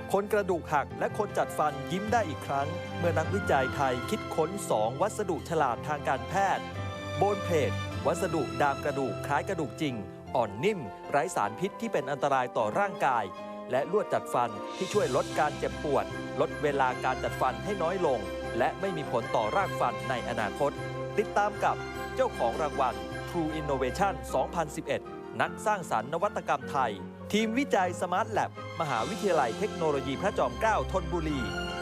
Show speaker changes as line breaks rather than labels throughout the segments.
คนกระดูกหักและคนจัดฟันยิ้มได้อีกครั้งเมื่อนักวิจัยไทยคิดค้น 2 วัสดุฉลาดทางการแพทย์โบนเพลทวัสดุดามกระดูกคล้ายกระดูกจริงอ่อนนิ่มไร้สารพิษที่เป็นอันตรายต่อร่างกายและลวดจัดฟันที่ช่วยลดการเจ็บปวดลดเวลาการจัดฟันให้น้อยลงและไม่มีผลต่อรากฟันในอนาคตติดตามกับเจ้าของรางวัล True Innovation 2011 นักสร้างสรรค์นวัตกรรมไทยทีมวิจัย Smart Lab มหาวิทยาลัยเทคโนโลยีพระจอมเกล้าธนบุรี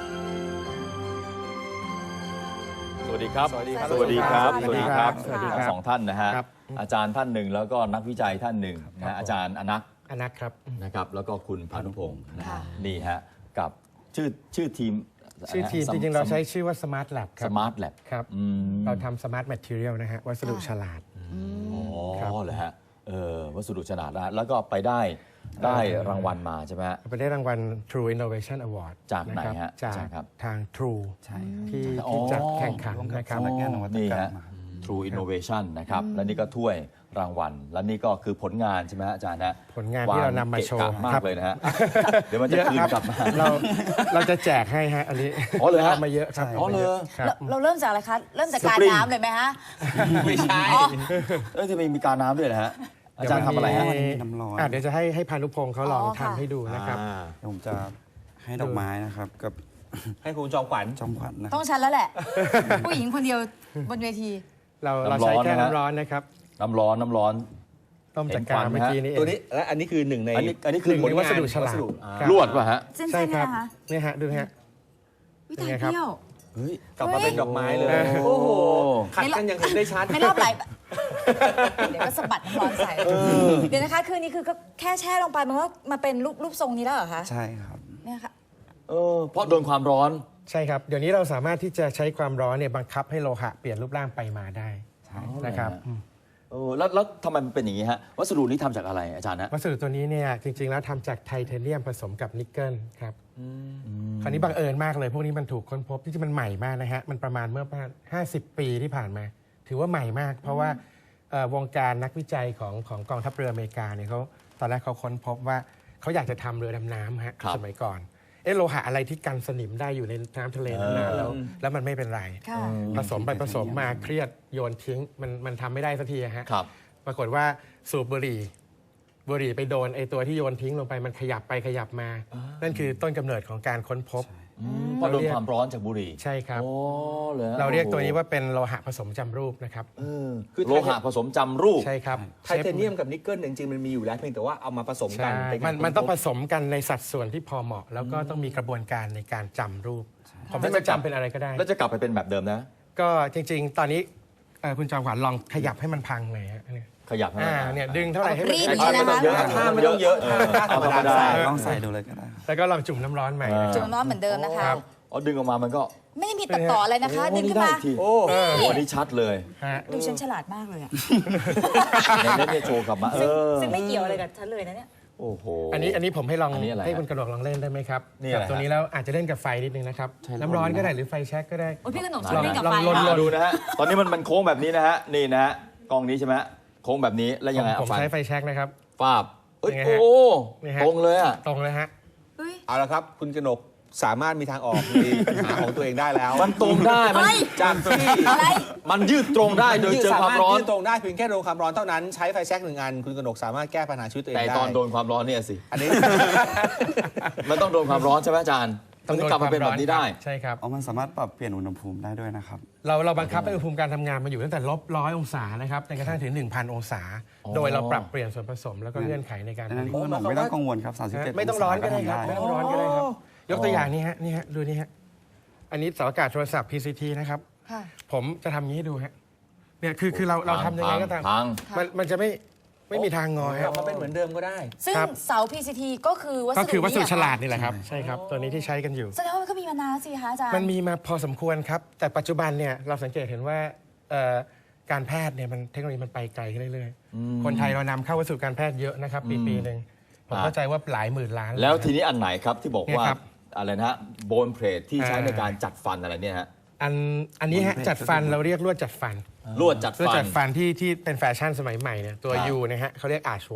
สวัสดีครับ
สวัสดีครับ
สวัสดีครับ
สวัสดีครับ
สวัสดีครับ 2 ท่านนะฮะอาจารย์ท่านหนึ่งแล้วก็นักวิจัยท่านหนึ่งนะอาจารย์อนัก
ครับ
นะครับแล้วก็คุณพานุพงศ์นะฮะนี่ฮะกับชื่อทีม
จริงๆเราใช้ชื่อว่า Smart Lab ครับ
Smart Lab
ครับเราทำ Smart Material นะฮะวัสดุฉลาด
อ๋อเหรอฮะวัสดุฉลาดนะแล้วก็ไปได้รางวัลมาใช่ไหมฮะ
ไปได้รางวัล True Innovation Award
จากไหนฮะ
จากทาง True ที่จัดแข่งขันนะครับ
นี่ฮะ True Innovation นะครับและนี่ก็ถ้วยรางวัลและนี่ก็คือผลงานใช่ไหมอาจารย์นะ
ผลงานที่เรานำมาโชว์
มากเลยนะฮะเดี๋ยวมันจะคืนกลับมา
เราจะแจกให้ฮะอันนี้
เลยฮะ
มาเยอะครับ
เราเริ่มจากอะไรคะเริ่มจากการน้ำเลยไหมฮะ
ไม่ใช่จะมีการน้ำด้วยนะฮะอาจารย์ทำอะไรฮะ
น้ำร้อนเดี๋ยวจะให้พานุพงศ์เขาลองทำให้ดูนะครับ
ผมจะให้ดอกไม้นะครับกับ
ให้คุณจอมขวัญ
นะ
ต้องฉันแล้วแหละผู้หญิงคนเดียวบนเวที
เราใช้แค่น้ำร้อนนะครับ
น้ำร้อน
ต้มจากกาเมื่อกี้นี้
ตัวนี้และอันนี้คือหนึ่งใน
อันนี้คือ
วัสดุฉลาด
ลวดป่ะฮะ
ใช่ครับ
นี่ฮะดูฮะ
วิธีเที่ยว
กลับมาเป็นดอกไม้เลยโอ้โหขัดกันยังเห็นได้ชัด
ไม่รอบไหลเดี๋ยวก็สะบัดน้ำร้อนใส่เดี๋ยวนะคะคือนี่คือก็แค่แช่ลงไปมันก็มาเป็นรูปทรงนี้แล้วเหรอคะ
ใช่ครับ
เนี่ยค่ะ
เพราะโดนความร้อน
ใช่ครับเดี๋ยวนี้เราสามารถที่จะใช้ความร้อนเนี่ยบังคับให้โลหะเปลี่ยนรูปร่างไปมาได้นะครับ
แล้วทำไมมันเป็นอย่างนี้ฮะวัสดุนี้ทำจากอะไรอาจารย์นะ
วัสดุตัวนี้เนี่ยจริงๆแล้วทำจากไทเทเนียมผสมกับนิกเกิลครับคราวนี้บังเอิญมากเลยพวกนี้มันถูกค้นพบที่มันใหม่มากนะฮะมันประมาณเมื่อประมาณ50 ปีที่ผ่านมาถือว่าใหม่มากเพราะว่าวงการนักวิจัยของกองทัพเรืออเมริกาเนี่ยเขาตอนแรกเขาค้นพบว่าเขาอยากจะทำเรือดำน้ำฮะสมัยก่อนโลหะอะไรที่กันสนิมได้อยู่ในน้ำทะเลนานแล้วมันไม่เป็นไรผสมไปผสมมาเครียดโยนทิ้งมันทำไม่ได้สักทีฮะปรากฏว่าสูบบุหรี่ไปโดนไอตัวที่โยนทิ้งลงไปมันขยับไปขยับมานั่นคือต้นกำเนิดของการค้นพบ
เพราะโดนความร้อนจากบุหรี่
ใช่ครับเราเรียกตัวนี้ว่าเป็นโลหะผสมจำรูปนะครับ
คือโลหะผสมจำรูป
ใช่ครับ
ไทเทเนียมกับนิกเกิลจริงๆมันมีอยู่แล้วเพียงแต่ว่าเอามาผสมกัน
มันต้องผสมกันในสัดส่วนที่พอเหมาะแล้วก็ต้องมีกระบวนการในการจำรูปผมไม่จำเป็นอะไรก็ได้
แล้วจะกลับไปเป็นแบบเดิมนะ
ก็จริงๆตอนนี้คุณจอมขวัญลองขยับให้มันพังหน่อยฮะ
ขยับให้
เนี่ยดึงเท่าไหร่ให้มัน
ไม่ต้องเยอะ
ท่าไม่ต้องเยอะท่าธรรมดา
ลองใส่ดูเลยก็ได้
แล้วก็ลองจุ่มน้ำร้อนใหม่
จุ่มน้ำร้อนเหมือนเดิมนะคะ
ดึงออกมามันก็
ไม่ได้มีตัดต่ออะไรนะคะดึงขึ้นมา
โอ้อันนี้ชัดเลย
ดูฉันฉลาดมากเลยอ่ะ
ในเน็ตเนี่ยโชว์กลับมา
ซึ่งไม่เกี่ยวอะไรกับฉันเลยนะเนี่ย
โอ้โห
อันนี้ผมให้ลองให้คุณกระหนกลองเล่นได้ไหมครับตัวนี้แล้วอาจจะเล่นกับไฟนิดนึงนะครับน้ำร้อนก็ได้หรือไฟแช็กก็ได้
พี่กระหนกชอบเล่นกับไฟ
ลองดูนะฮะตอนนี้มันโค้งแบบนี้นะฮะนี่นะฮะกองนี้ใช่ไหมโค้งแบบนี้แล้วยังไง
ผมใช้ไฟแช็กนะครับ
ฟาบโอ้ตรงเลยอ่ะ
ตรงเลยฮะ
เอาละครับคุณกนกสามารถมีทางออกมีหาของตัวเองได้แล้ว
มันตรงได้มัน
จากที่
มันยืดตรงได้โดยเจอความร้อน
ยืดตรงได้เพียงแค่โดนความร้อนเท่านั้นใช้ไฟแช็ก1 อันคุณกนกสามารถแก้ปัญหาชีวิตตัวเองได้
แต่ตอนโดนความร้อนเนี่ยสิ
อันนี้
มันต้องโดนความร้อนใช่ไหมอาจารย์ต้องกลับมาเป็นแบบนี้ได้
ใช่ครับ
มันสามารถปรับเปลี่ยนอุณหภูมิได้ด้วยนะครับ
เราบังคับให้อุณหภูมิการทำงานมาอยู่ตั้งแต่-100 องศานะครับจนกระทั่งถึง 1,000 องศาโดยเราปรับเปลี่ยนส่วนผสมแล้วก็เงื่อนไขในการผลิต
ไม่ต้องกังวลครับ37
ไม่ต้องร้อนก็ได้ครับไม่ต้องร้อนก็ได้ครับยกตัวอย่างนี้ฮะดูนี่ฮะอันนี้เสาอากาศโทรศัพท์ PCT นะครับผมจะทำงี้ให้ดูฮะเนี่ยคือเราทำยังไงก็ตามมันจะไม่มีทางงอครับ
มันเป็นเหมือนเดิมก็ได้
ซึ่งเสา PCT ก็คือ
วัสดุฉลาดนี่แหละครับใช่ครับตัวนี้ที่ใช้กันอยู่
แสดงว่ามันก็มีมานานสิคะอาจารย์
มันมีมาพอสมควรครับแต่ปัจจุบันเนี่ยเราสังเกตเห็นว่าการแพทย์เนี่ยเทคโนโลยีมันไปไกลขึ้นเรื่อยๆคนไทยเรานำเข้าวัสดุการแพทย์เยอะนะครับปีหนึ่งผมเข้าใจว่าหลายหมื่นล้าน
แล้วทีนี้อันไหนครับที่บอกว่าอะไรนะโบนเพลทที่ใช้ในการจัดฟันอะไรเนี่ยฮะ
อันนี้ฮะจัดฟันเราเรียกลวดจัดฟัน
ลวดจัดฟัน
ที่เป็นแฟชั่นสมัยใหม่เนี่ยตัว U นะฮะเขาเรียก Arch Y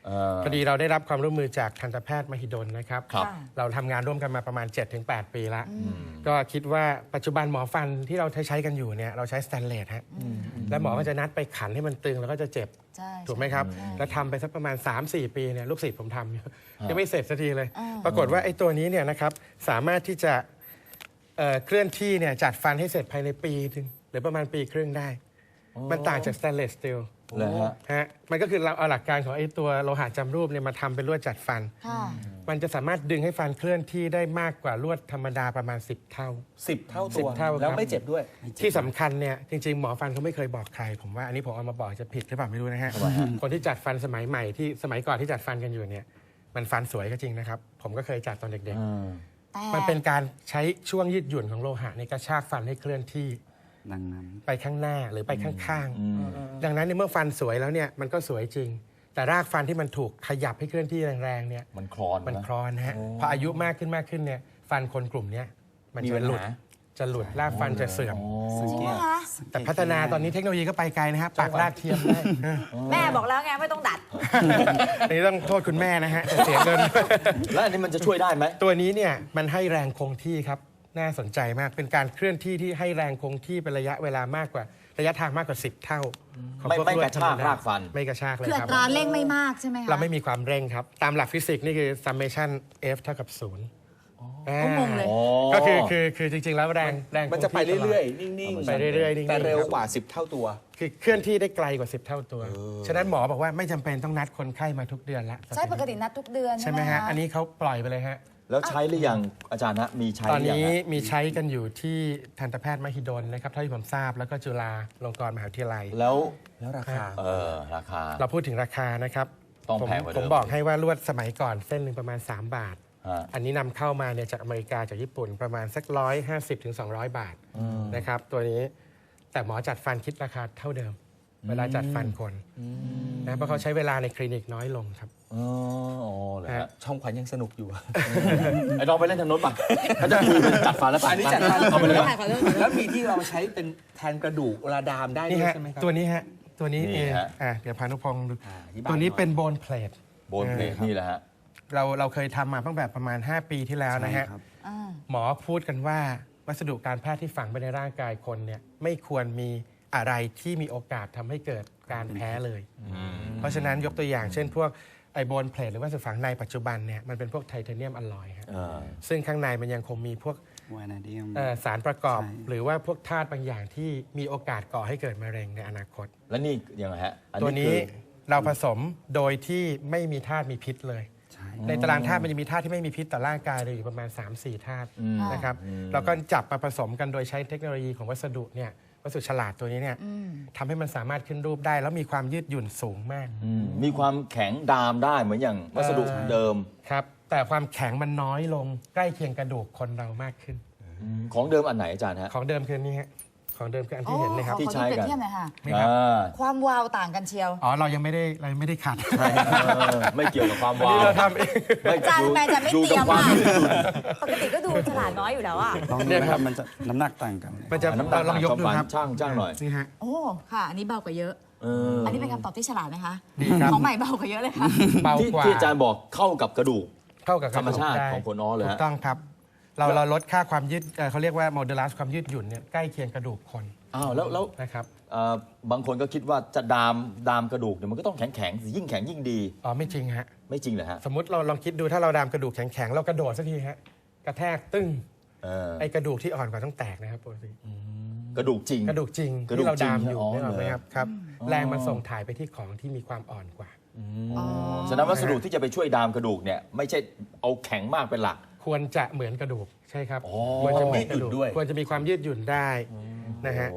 พอดีเราได้รับความร่วมมือจากทันตแพทย์มหิดลนะครับ
ครับ
เราทำงานร่วมกันมาประมาณ 7-8 ปีแล้วก็คิดว่าปัจจุบันหมอฟันที่เราใช้กันอยู่เนี่ยเราใช้สแตนเลสฮะแล้วหมอก็จะนัดไปขันให้มันตึงแล้วก็จะเจ็บ
ใช่
ถูกไหมครับ แล้วทำไปสักประมาณ 3-4 ปีเนี่ยลูกศิษย์ผมทำอยู่ยังไม่เสร็จสักทีเลย ปรากฏว่าไอ้ตัวนี้เนี่ยนะครับสามารถที่จะเคลื่อนที่เนี่ยจัดฟันให้เสร็จภายในปีนึงหรือประมาณปีครึ่งได้ มันต่างจากสแตนเลสสตีล
เลยฮะ
ฮะมันก็คือเราเอาหลักการของไอ้ตัวโลหะจำรูปเนี่ยมาทำเป็นลวดจัดฟัน
ค่ะ
มันจะสามารถดึงให้ฟันเคลื่อนที่ได้มากกว่าลวดธรรมดาประมาณ 10 เท่า
10 เท่าตัว
10 เท่าครับ
แล้วไม่เจ็บด้วย
ที่สำคัญเนี่ยจริงๆ หมอฟันเขาไม่เคยบอกใคร ผมว่าอันนี้ผมเอามาบอกจะผิดหรือเปล่าไม่รู้นะฮะ คนที่จัดฟันสมัยใหม่ที่สมัยก่อนที่จัดฟันกันอยู่เนี่ยมันฟันสวยก็จริงนะครับ ผมก็เคยจัดตอนเด็ก
แต่
ๆ มันเป็นการใช้ช่วงยืดหยุ่นของโลหะในกระชากฟันให้เคลื่อนที่
ดังนั้น
ไปข้างหน้าหรือไปข้างๆ ดังนั้นในเมื่อฟันสวยแล้วเนี่ยมันก็สวยจริง แต่รากฟันที่มันถูกขยับให้เคลื่อนที่แรงๆเนี่ย
มันคลอน
มัน
นะ
คลอนนะฮะพออายุมากขึ้นเนี่ยฟันคนกลุ่มเนี้ยมัน
มี
จะ
ปัญ
หลุด
หา
จะหลุดรากฟันจะเสื่อม
จริงไหมคะ
แต่พัฒนาตอนนี้เทคโนโลยีก็ไปไกลนะฮะปากรากเทียมได้
แม่บอกแล้วไงไม่ต้องดัด
อันนี้ต้องโทษคุณแม่นะฮะจะเสียเงิน
แล้วอันนี้มันจะช่วยได้ไหม
ตัวนี้เนี่ยมันให้แรงคงที่ครับน่าสนใจมากเป็นการเคลื่อนที่ที่ให้แรงคงที่เป็นระยะเวลามากกว่าระยะทางมากกว่า 10 เท่าของพว
ไม่
ลวด
กระชาก
ธมด
รากฟัน
ไม่กระชากเลย
คืออั
ครับ
ตราเร่งไม่มากใช่ไหมคะ
เราไม่มีความเร่งครับ ตามหลักฟิสิกส์นี่คือ summation f เท่ากับ0
ก็งงเลย
ก็คือจริงๆแล้วแรง
มันจะไปเรื่อยๆ นิ่งๆ
ไปเรื่อยๆนิ่งๆ
แต่เร็ว
ครับ
กว่า 10 เท่าตัว
คือเคลื่อนที่ได้ไกลกว่า 10 เท่าตัว ฉะนั้นหมอบอกว่าไม่จำเป็นต้องนัดคนไข้มาทุกเดือนละ
ใช่ปกตินัดทุกเดือน
ใช่ไหมฮะ
ค
อันนี้เขาปล่อยไปเลยฮะ
แล้วใช้หรือยังอาจารย์นะมีใช้
ตอน
หรือยัง
นี้
ฮะ
มีใช้กันอยู่ที่ทันตแพทย์มหิดลนะครับเท่าที่ผมทราบแล้วก็จุฬาลงกรณ์มหาวิทยาลัย
แล้ว
แล้วราคา
ราคา
เราพูดถึงราคานะครับ
ต้อง
ผม
แพงกว่าเดิม
ผมบอกให้ว่าลวดสมัยก่อนเส้นหนึ่งประมาณ 3 บาท
ฮะ
อันนี้นำเข้ามาเนี่ยจากอเมริกาจากญี่ปุ่นประมาณสัก150 ถึง 200 บาทนะครับตัวนี้แต่หมอจัดฟันคิดราคาเท่าเดิม เวลาจัดฟันคนนะเพราะเขาใช้เวลาในคลินิกน้อยลงครับ
อ๋อเหรอฮะ
ช่องขวัญยังสนุกอยู่
ไอ้น้องไปเล่นทางโน้นป่ะเขาจะคุยเป็นจัดฟันแล้วป่ะ
อันนี้จัดฟัน
เอาไปเลย
ขอโทษ
แล้วมีที่เราใช้เป็นแทนกระดูกเวลาดามได้
นี่
ด้วย
ฮะ
ใช่ไหมครับ
ตัวนี้ฮะตัวนี้
นี่
เอง
ฮะ
เดี๋ยวพานุพงศ์ดู
อธิบาย
ตัวนี้
หน่อย
เป็นโบนเพลท
โบนเพลทนี่แหละฮะ
เราเคยทำมาตั้งแต่ประมาณ 5 ปีที่แล้วนะฮะ
ใช่ครับ
หมอพูดกันว่าวัสดุการแพทย์ที่ฝังไปในร่างกายคนเนี่ยไม่ควรมีอะไรที่มีโอกาสทำให้เกิดการแพ้เลย เพราะฉะนั้นยกตัวอย่างเช่นพวกไอโบนเพลทหรือว่าวัสดุฝังในปัจจุบันเนี่ยมันเป็นพวกไทเทเนียมอลลอยครับซึ่งข้างในมันยังคงมีพวก
วานาเดียม
สารประกอบ
ใช่
หรือว่าพวกธาตุบางอย่างที่มีโอกาสก่อให้เกิดมะเร็งในอนาคต
แล้วนี่ยังไงฮะอั
ตัว
คื
นี้
อ
เราผสมโดยที่ไม่มีธาตุมีพิษเลย
ใช่
ในตารางธาตุมันจะมีธาตุที่ไม่มีพิษต่อร่างกายเลยอยู่ประมาณ 3-4 ธาตุนะครับเราก็จับมาผสมกันโดยใช้เทคโนโลยีของวัสดุเนี่ยวัสดุฉลาดตัวนี้เนี่ยทำให้มันสามารถขึ้นรูปได้ แล้วมีความยืดหยุ่นสูงมาก
มีความแข็งดามได้เหมือนอย่างวัสดุเดิม
ครับแต่ความแข็งมันน้อยลงใกล้เคียงกระดูกคนเรามากขึ้น
ของเดิมอันไหนอาจารย์ฮะ
ของเดิมคืออนนี้ฮะของเดิมคืออันที่เห็นเลยครับ
ที่ใช้กัน
ขอเปรียบเทียบหน่อยค่ะ
นี่ครับ
ความวาวต่างกันเชียว
อ๋อเรายังไม่ได้ขัด
ไม่เกี่ยวกับความ
อัน
วา
นี้
ว
เราทำเอง
อาจารย์ทำไมจะไม่
ดู
เตรี
กั
ย
บ
ม
ความ
อ่ะ
ยืดหยุ่น
ปกติก็ดูฉลาดน้อยอยู่แล้วอ่ะ
ลองดูนะครับมันจะน้ำหนักต่างกันเลย
มันจะ
น้ำหนัก
ลองยกดู
ต่าง
ครับ
ช่างหน่อย
นี่ฮะ
โอ้ค่ะ อันนี้เบากว่าเยอะ อันนี้เป็นคำตอบที่ฉลาดไหมคะ
ดีครับ
ของใหม่เบากว่าเยอะเลยค่ะ
เบา
ที่
กว่า
ที่อาจารย์บอกเข้ากับกระดูก
เข้ากับกะดูก
ธรรมชาติ
ได้
ของคนอ้อเลยฮะ
ถูกต้องครับ เราลดค่าความยืดเขาเรียกว่าโมเดลัสความยืดหยุ่นเนี่ยใกล้เคียงกระดูกคน
อ้าวแล้ว
นะครับ
บางคนก็คิดว่าจะดามกระดูกเนี่ยมันก็ต้องแข็งสิยิ่งแข็งยิ่งดี
อ๋อไม่จริงฮะ
ไม่จริงเหรอฮะ
สมมติเราลองคิดดูถ้าเราดามกระดูกแข็งๆเรากระโดดสักทีฮะกระแทกตึ้ง
เออ
ไอ้กระดูกที่อ่อนกว่าต้องแตกนะครับปกติ
กระดูกจริง
กระดูกจริง
กระดูก
ที่เราดามอยู่
จริง
นึกออกไหม
อ๋อ
ครับครับ แรงมันส่งถ่ายไปที่ของที่มีความอ่อนกว่า
ฉะนั้นวัสดุที่จะไปช่วยดามกระดูกเนี่ยไม่ใช่เอาแข็งมากเป็นหลัก
ควรจะเหมือนกระดูกใช่ครับ
อ๋อ
ควรจะเหมือนกระดูก
ยืดหยุ่นด้วย
ควรจะมีความยืดหยุ่นได้นะฮะ
โอ้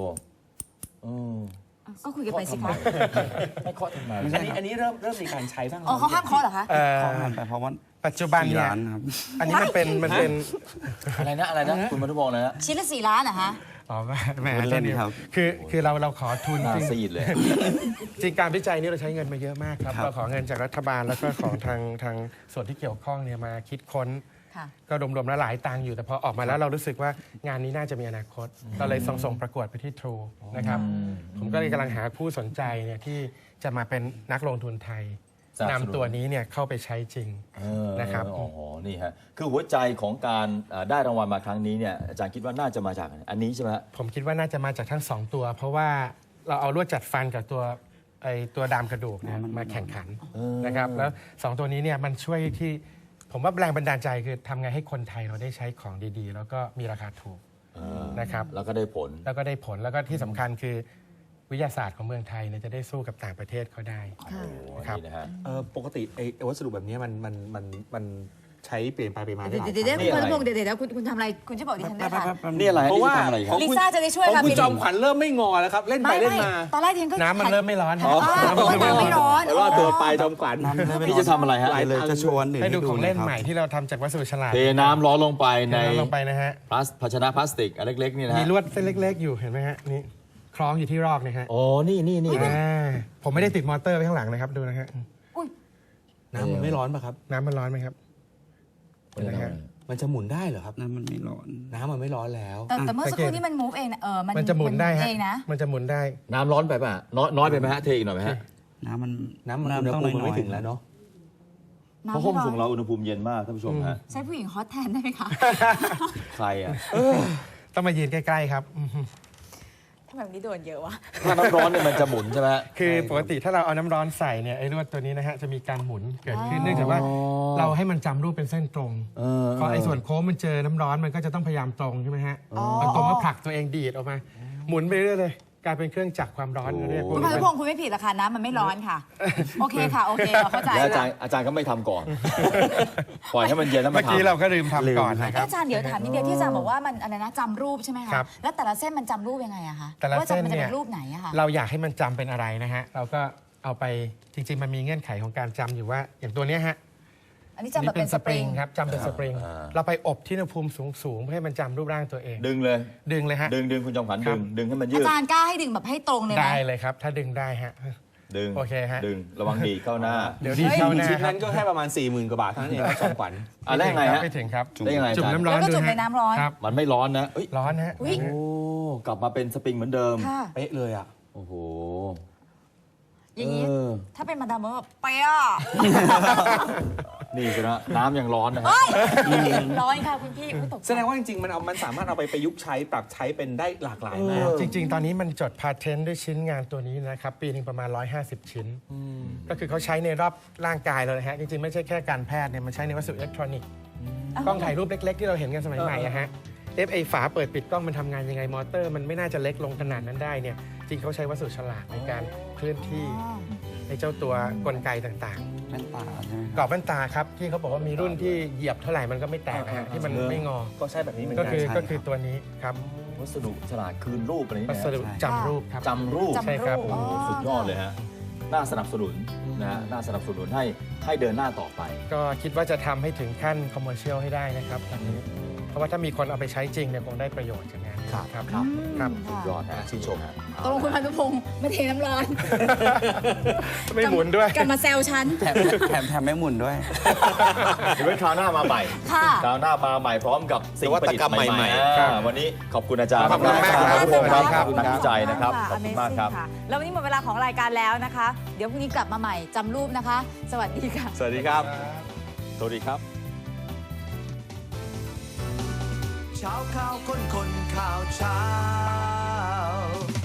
ก็คุยกันไปสิคะ
ไม่เคาะทำไม
อันนี้เริ่มมีการใช้บ้าง
อ๋อเขาห้ามเคาะเหรอคะ
ขอผ่านไปเพราะว่า
ปัจจุบัน
4
เนี่ย
ล้านครับ
อันนี้มันเป็น
อะไรนะคุณมาทุบอกเลยนะ
ชิ้นละ4 ล้านเหรอคะ
อ๋อแหม
พูดเล่นครับ
คือเราขอทุน
หน้า
จริง
ซีดเลย
จริงการวิจัยนี่เราใช้เงินมาเยอะมากครับ
ครับ
เราขอเงินจากรัฐบาลแล้วก็ของทางส่วนที่เกี่ยวข้องเนี่ยมาคิดค้น
ค่ะ
ก็รวมๆแล้วหลายตังค์อยู่แต่พอออกมาแล้วเรารู้สึกว่างานนี้น่าจะมีอนาคตเราเลยส่งประกวดไปที่ True นะครับผมก็เลยกำลังหาผู้สนใจเนี่ยที่จะมาเป็นนักลงทุนไทย
สนับสนุน
นำตัวนี้เนี่ยเข้าไปใช้จริง นะครับ
อ๋อนี่ฮะคือหัวใจของการได้รางวัลมาครั้งนี้เนี่ยอาจารย์คิดว่าน่าจะมาจากอันนี้ใช่ไหมฮะ
ผมคิดว่าน่าจะมาจากทั้ง 2 ตัว เพราะว่าเราเอาลวดจัดฟันกับตัวดามกระดูกเนี่ยมาแข่งขันนะครับแล้ว 2 ตัวนี้เนี่ยมันช่วยที่ผมว่าแรงบันดาลใจคือทำไงให้คนไทยเราได้ใช้ของดีๆ แล้วก็มีราคาถูกนะครับ
แล้วก็ได้ผล
แล้วก็ได้ผลแล้วก็ที่สำคัญคือวิทยาศาสตร์ของเมืองไทยเนี่ยจะได้สู้กับต่างประเทศเขาได้
ค่ะ
ครับ
นี่นะฮะ
ปกติไอ้วัสดุแบบนี้มันใช้เปลี่ยนไปเปลี่ยนมาได้
เดี๋ยว
หลาย
เดี๋ยว
ครั้ง
คุณพานุพงศ์เดี๋ยวคุณทำอะไรคุณจะบอกดิฉันด้วยค่ะ
นี่อะไร
เพราะว่า
ทำอะไรครับ
ลิซ่าจะได้ช่วย
ของ
ค่ะ
คุณ
พี่
จอมขวัญเริ่มไม่งอแล้วครับ เล่นไปเล่นมา
ตอนแรกดิฉันก็
น้ำมันเริ่มไม่ร้อน
อ๋อน้ำไม่ร้อน
รอดตัวไปจอมขวัญ
พี่จะทำอะไรฮะ
เลยจะชวนหนึ่ง
ให้ดูของเล่น
ครับ
ใหม่ที่เราทำจากวัสดุฉลาด
เทน้ำร้อนลงไปใน
ลงไปนะฮะ
ภาชนะพลาสติกอันเล็กๆนี่นะ
มี
ฮะ
ลวดเส้นเล็ก ๆ อยู่เห็นไหมฮะนี่คล้องอยู่ที่รอกนะฮะ
โอ้นี่
ผมไม่ได้ติดมอเตอร์ไว้ข้างหลังนะครับดูนะฮะ
อุ้ย
น้ำมันไม่ร้อนป่ะครับ
น้ำมันร้อนไหมครับเห็นไหมฮะ
มันจะหมุนได้เหรอครับ
น้ำมันไม่ร้อน
น้ำมันไม่ร้อนแล้ว
แต่เมื่อสักครู่นี้มัน move เองนะ
มันจะหมุนได้ฮะ
เองนะ
มันจะหมุนได้
น้ำร้อนไปป่ะน้อยไปไหมฮะเทอีกหน่อยไหมฮะ
น้ำมัน
น้ำอุณห
ต้อง
ภูมิมัน
น้อย
ไม่ถึงแล้วเนาะ
เพราะห้องส่งเราอุณหภูมิเย็นมากท่านผู้ชมฮะ
ใช้ผู้หญิงฮอตแทนได้ไหมคะ
ใครอ่ะ
ต้องมายืนใกล้ๆครับ
ทำไมวันนี้โดนเยอะวะ
ถ้าน้ำร้อนเนี่ยมันจะหมุนใช่ไหมฮะ
คือปกติถ้าเราเอาน้ำร้อนใส่เนี่ยไอ้ลวดตัวนี้นะฮะจะมีการหมุนเกิดขึ้นเนื่องจากว่าเราให้มันจำรูปเป็นเส้นตรงพอไอ้ส่วนโค้งมันเจอน้ำร้อนมันก็จะต้องพยายามตรงใช่ไหมฮะมันตรงก็ผลักตัวเองดีดออกมา หมุนไปเรื่อยๆเลยกลายเป็นเครื่องจักรความร้อนเรียกพว
คุ
ก
ณพานุ
นี้
พงศ์คุณไม่ผิดหรอกค่ะน้ำมันไม่ร้อนค่ะ โอเคค่ะ โอเคเราเข้าใจ
แล้วอาจารย์ก็ไม่ทำก่อน ปล่อยให้มันเย็นแล้วมา
เมื่อกี้
ทำ
เราก็ลืมทำก่อนนะค
เอ้
รั
ย
บ
อาจารย์เดี๋ยวถามนิดเดียวที่อาจารย์บอกว่ามันอะไรนะจำรูปใช่ไหมคะ
ครับ
แล้วแต่ละเส้นมันจำรูปยังไงอะคะ
แต่ละ
ว่า
เส้น
มันจะ
เนี่
เป็
ย
นรูปไหนอะคะ
เราอยากให้มันจำเป็นอะไรนะฮะเราก็เอาไปจริงๆมันมีเงื่อนไขของการจำอยู่ว่าอย่างตัวเนี้ยฮะ
อันนี้จำแบบเป็นสปริง
ครับจำเป็นสปริงเราไปอบที่อุณหภูมิสูงๆเพื่อให้มันจำรูปร่างตัวเอง
ดึงเลย
ดึงเลยฮะ
ดึงคุณจอมขวัญ
ครั
ดึ
บ
งให้มันยื
อา
ด
จารย์กล้าให้ดึงแบบให้ตรงเลยไหม
ได้เลยครับ ถ้าดึงได้ฮะ
ดึง
โอเคฮะ
ดึงระวังดีดเข้าหน้า
เดี๋ยวดีเข้าหน้า
ชิ้น
ครั
นั้นก็แค่ประมาณ 40,000 กว่าบาทเท่านั้นเองครับจอมขวัญ
อ่ะแล้วยังไงฮะ
ไม่ถึงครับ
ได้ยังไง
จุ่ม
อาจารย์
น้ำร้อน
แล้วก็
ดู
จุ่ม
ฮะ
ในน้ำร้อน
ครับ
มันไม่ร้อนนะเอ้ย
ร้อนฮะ
อุ๊ย
โอ้กลับมาเป็นสปริงเหมือนเดิม
ค่ะ
เป๊ะเลยอ่ะ
โอ้โห
อย่างนี้
เออ
ถ้าเป็นมาดามแบบเป๊ะอะ
นี่สินะน้ำยังร้อนนะฮะ
เฮ้ยร้อนค่ะคุณพี่อุ๊ยตกใจ
แสดงว่าจริงๆมันสามารถเอาไปประยุกต์ใช้ปรับใช้เป็นได้หลากหลายมาก
จริง ๆ ตอนนี้มันจดพาเทนต์ด้วยชิ้นงานตัวนี้นะครับ ปีหนึงประมาณ 150 ชิ้น ก็คือเขาใช้ในรอบร่างกายเลยนะฮะ จริง ๆ ไม่ใช่แค่การแพทย์เนี่ยมันใช้ในวัสดุอิเล็กทรอนิกส์กล้องถ่ายรูปเล็ก ๆ ที่เราเห็นกันสมัยใหม่อะฮะไอ้ฝาเปิดปิดกล้องมันทำงานยังไงมอเตอร์มันไม่น่าจะเล็กลงขนาดนั้นได้เนี่ยจริงเขาใช้วัสดุฉลาดในการเคลื่อนที่ในเจ้าตัวกลไกต่างๆ
แว่นตาใช่ไหม
กรอบแว่นตาครับที่เขาบอกว่ามีรุ่นที่เหยียบเท่าไหร่มันก็ไม่แตกนะฮะที่มันไม่งอ
ก็ใช่แบบนี้เหมือน
ก็
กัน
คือ
ใช่
ก็คือตัวนี้ครับ
วัสดุฉลาดคืนรูปอะไรนี่
วั
นะ
สดุจำรูปครับ
จำรูป
จำ
ใช่ครับ
รูป
โอ้โหสุดยอดเลยฮะ น่าสนับสนุนนะฮะ น่าสนับสนุนให้เดินหน้าต่อไป
ก็คิดว่าจะทำให้ถึงขั้นคอมเมอร์เชียลให้ได้นะครับตอนนี้เพราะว่าถ้ามีคนเอาไปใช้จริงเนี่ยคงได้ประโยชน์จากงานนี้ครับครับ
สุดยอดฮะชื่นชมฮะ
ตกลงคุณพานุพงศ์ไม่เทน้ำร้อน
ไม่หมุนด้วย
กลับมาแซวฉัน
แถมไม่หมุนด้วย
เดี๋ยวไว้คราวหน้ามาใหม่
ค่ะ
คราวหน้ามาใหม่พร้อมกับสิ่งประดิษฐ์
นวัตกรรม
ใหม่
ใหม่
ๆ
ครับ
วันนี้ขอบคุณอาจารย์
ขอบคุณมากครับ
ขอบคุณครับ
ครับ
ขอบคุณนักวิจัยนะครับ ขอบคุณมากครับ
Amazing ะแล้ววันนี้หมดเวลาของรายการแล้วนะคะ เดี๋ยวพรุ่งนี้กลับมาใหม่จำรูปนะคะ สวัสดีค่ะ
สวัสดีครับ
สวัสดีครับ
เช้าข่าวคนข่าวเช้า